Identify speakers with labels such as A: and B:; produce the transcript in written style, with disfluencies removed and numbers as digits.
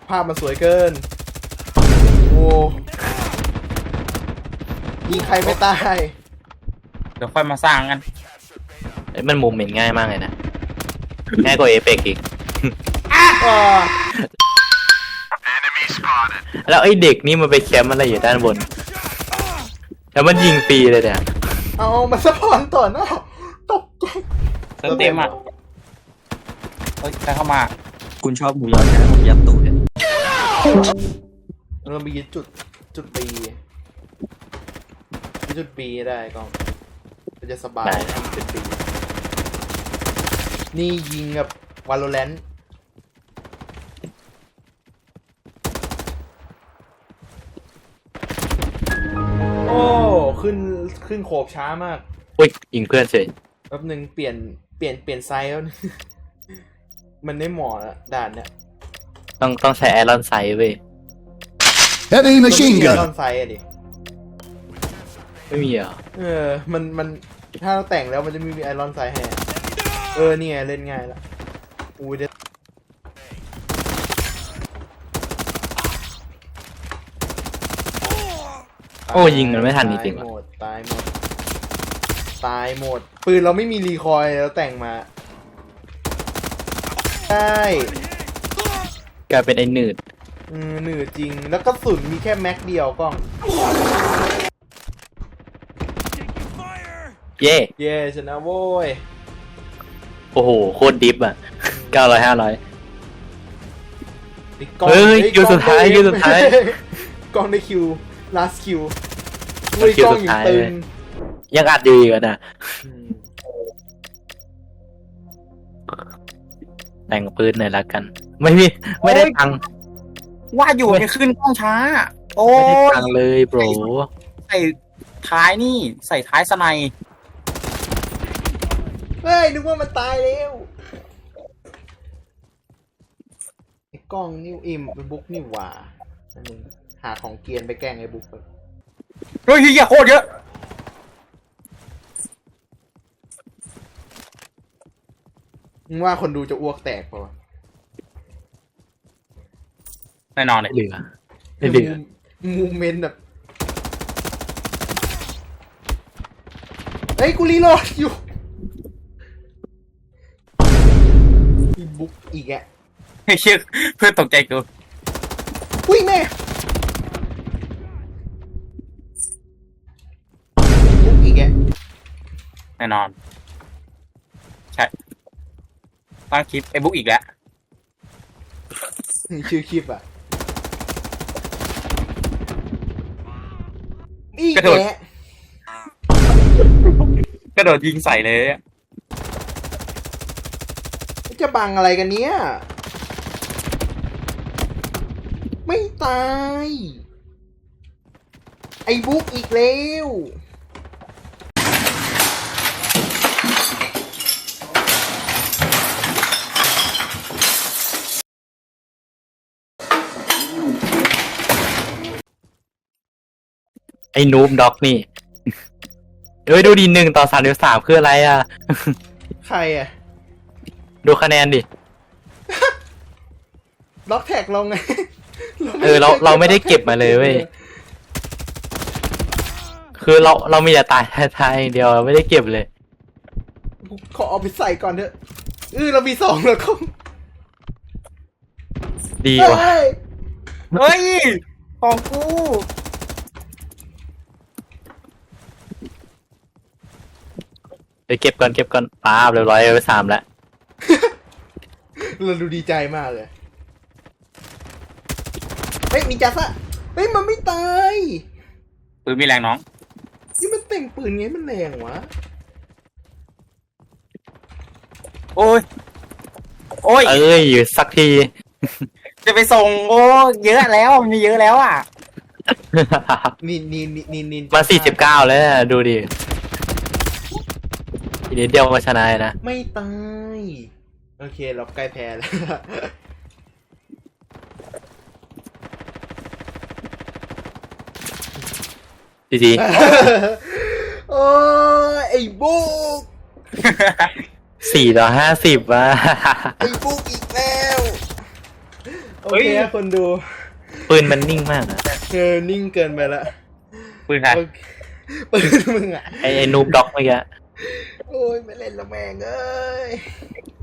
A: ภาพมันสวยเกินโอ้ยิงใครไม่ตาย
B: เดี๋ยวค่อยมาสร้างกัน
C: มันมุมเห็นง่ายมากเลยนะง่ายกว่าเอเปกอีกแล้วไอ้เด็กนี่มันไปแคมป์อะไรอยู่ด้านบนแล้วมันยิงปีเลยเนี่ย
A: เอามาสะพอนต่อหน้าตกใจ
B: เต็มอ่ะเฮ้ยใครเข้ามา
D: คุณชอบหมูยอใช่ไหมผมยัดตูดเนี่ย
A: เรามีจุดปีจุดปีได้ก็มันจะสบายจุดปีนี่ยิงกับวาโลแรนต์โอ้ขึ้นโขบช้ามาก
C: อุ้ยยิงเพื่อนเฉย
A: แป๊บนึงเปลี่ยนไซส์แล้ว มันไม่เหมาะด่านเนี่ย
C: ต้องใช้ไอรอนไซด์เว้ย
E: Heavy machine
A: ไอร
E: gun
A: อนไซส์อะดิ
C: ไม่มีเหรอ
A: มันถ้าเราแต่งแล้วมันจะมีไอรอนไซส์ให้นี่ไงเล่นง่ายละอุ้ยเด็ด
C: โอ้ยิงมันไม่ทันจริงๆ
A: ตายหมดปืนเราไม่มีรีคอยแล้วแต่งมาใช่
C: กลายเป็นไอ้หนืด
A: หนืดจริงแล้วก็สุนมีแค่แม็กเดียวกล้อง
C: เย่
A: ชนะโว้ย
C: โอ้โหโคตรดิฟอ่ะ900 500เฮ้ยคิวสุดท้าย
A: กล้องได้คิว last คิวกล้องอยู่ตึง
C: ยังอัดอยู่อีกนะแต่งปืนหน่อยละกันไม่ได้ตัง
B: ว่าอยู่จะขึ้นกล้องช้าโอ้
C: ไม่ได้ตังเลยโบร
B: ใส่ท้ายนี่ใส่ท้ายสไน
A: เฮ้ยนึกว่ามันตายแล้วไอ้กล้องนิ้วอิ่มเป็นบุ๊กนี่หว่าหาของเกียนไปแกล้งไอ้บุ๊กไป
B: เฮ้ยเหี้ยโคตรเยอะ
A: มึงว่าคนดูจะอ้วกแตกป่ะ
B: แน่นอนเลย
C: เหลือ
A: มูเมนต์แบบเฮ้ยกูรีโหลดอยู่อีบุ๊กอีกแก
B: เฮ้ยเพื่อนตกใจกู
A: อุ้ยแม่บุ๊กอีกแก
B: แน่นอนใช่ตั้งคลิปไอ้บุ๊กอีกแล้ว
A: ชื่อคลิปอ่ะอีกแก
B: กระโดดยิงใส่เลย
A: จะบังอะไรกันเนี้ยไม่ตายไอ้บุ๊กอีกแล้ว
C: ไอ้นูบด็อกนี่ดูดี1-33คืออะไรอ่ะ
A: ใครอ่ะ
C: ดูคะแนนดิ
A: ล็อกแท็กเราไง
C: เราไม่ได้เก็บมาเลยเว้ยคือเรามีแต่ตายอย่างเดียวเราไม่ได้เก็บเลย
A: ขอเอาไปใส่ก่อนเถอะเรามี2แล้วก็
C: ดีว่ะ
B: เฮ้ยของกู
C: ไปเก็บก่อนป้าบเรียบร้อยไป3แล้ว
A: เราดูดีใจมากเลยเฮ้ยมีจัสอะเฮ้ยมันไม่ตาย
B: ปืนมีแรงน้อง
A: นี่มันแต่งปืนไงมันแรงวะ
B: โอ้ย
C: อยู่สักที
B: จะไปส่งเยอะแล้วมันมีเยอะแล้วอ่ะ
A: นี่
C: มา49แล้วดูดิทีนี้เดียวมาชนะนะ
A: ไม่ตายโอเคเราใกล้แพ้แล้ว
C: ดี
A: โอ้ไอ้บุ๊ก
C: 4-50ว่ะ
A: ไอ้บุ๊กอีกแล้วโอเคคนดู
C: ปืนมันนิ่งมากนะ
A: นิ่งเกินไปละ
B: ปืนใคร
A: โอเคปืนมึงอ่ะ
C: ไอ้นูบด็อกเมื่อกี้
A: โอ้ยไม่เล่นละแม่งเอ้ย